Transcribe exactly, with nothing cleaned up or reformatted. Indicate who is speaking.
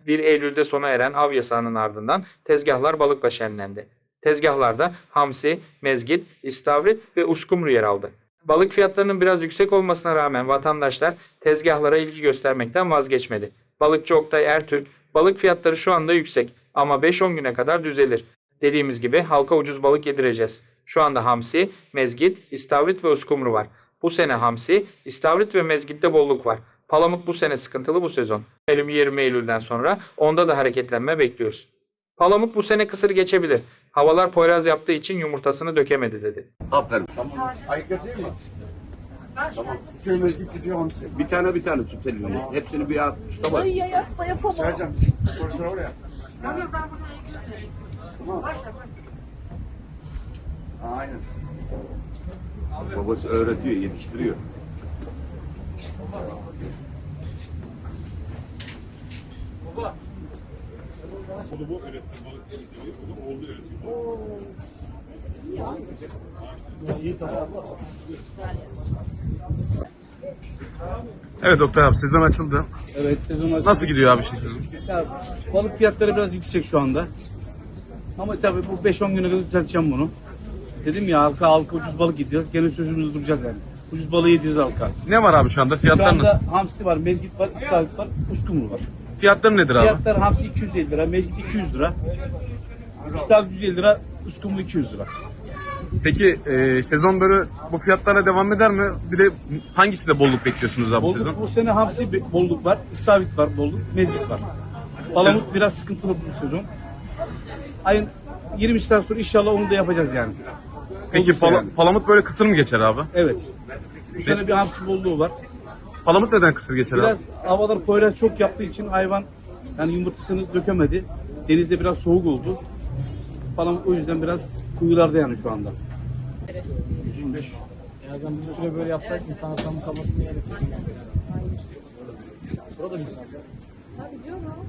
Speaker 1: bir Eylül'de sona eren av yasağının ardından tezgahlar balıkla şenlendi. Tezgahlarda hamsi, mezgit, istavrit ve uskumru yer aldı. Balık fiyatlarının biraz yüksek olmasına rağmen vatandaşlar tezgahlara ilgi göstermekten vazgeçmedi. Balıkçı Oktay Ertürk, balık fiyatları şu anda yüksek ama beş on güne kadar düzelir. Dediğimiz gibi halka ucuz balık yedireceğiz. Şu anda hamsi, mezgit, istavrit ve uskumru var. Bu sene hamsi, istavrit ve mezgitte bolluk var. Palamut bu sene sıkıntılı bu sezon. yirmi Eylül'den sonra onda da hareketlenme bekliyoruz. Palamut bu sene kısır geçebilir. Havalar poyraz yaptığı için yumurtasını dökemedi dedi.
Speaker 2: Aferin. Tamam. Ayıkla değil mi? Tamam. İki mezgit gidiyor hamsi. Bir tane bir tane tut elini. Hepsini bir at. Tutamaz.
Speaker 3: Ay ya yapma yapamam.
Speaker 2: Sercan, koridora oraya. Tamam. Aynen. Babası öğretiyor, yetiştiriyor. Baba.
Speaker 4: Onu bu öğretti, balık öğretiyor, onu oldu öğretiyor.
Speaker 5: Evet Oktay abi, sezon açıldı.
Speaker 6: Evet, sezon açıldı.
Speaker 5: Nasıl gidiyor abi şey?
Speaker 6: Ya, balık fiyatları biraz yüksek şu anda. Ama tabii bu beş on güne kadar düzelteceğim bunu. Dedim ya halka halka ucuz balık yiyeceğiz. Gene sözümüzde duracağız yani. Ucuz balığı yiyeceğiz halka.
Speaker 5: Ne var abi şu anda?
Speaker 6: Şu
Speaker 5: Fiyatlar
Speaker 6: anda
Speaker 5: nasıl?
Speaker 6: hamsi var, mezgit var, istavrit var, uskumru var.
Speaker 5: Fiyatları nedir abi?
Speaker 6: Fiyatlar hamsi iki yüz elli lira, mezgit iki yüz lira. İstavrit yüz elli lira, uskumru iki yüz lira.
Speaker 5: Peki e, sezon böyle bu fiyatlarla devam eder mi? Bir de hangisinde bolluk bekliyorsunuz abi bu
Speaker 6: Bolluk,
Speaker 5: sezon?
Speaker 6: bu sene hamsi be- bolluk var, istavrit var bolluk, mezgit var. Palamut biraz sıkıntılı bu sezon. Ayın yirmisinden sonra inşallah onu da yapacağız yani.
Speaker 5: Peki
Speaker 6: Olursa
Speaker 5: pala-
Speaker 6: yani.
Speaker 5: palamut böyle kısır mı geçer abi?
Speaker 6: Evet. Bu sene bir hamsi bolluğu var.
Speaker 5: Palamut neden kısır geçer
Speaker 6: Biraz
Speaker 5: abi?
Speaker 6: havalar poyraz çok yaptığı için hayvan yani yumurtasını dökemedi. Denizde biraz soğuk oldu. Falan o yüzden biraz kuyularda yani şu anda. yüz yirmi beş.
Speaker 3: Birazdan bir süre böyle yapsak insan tam kalmasını yeriz. Burada bir Tabii diyorum.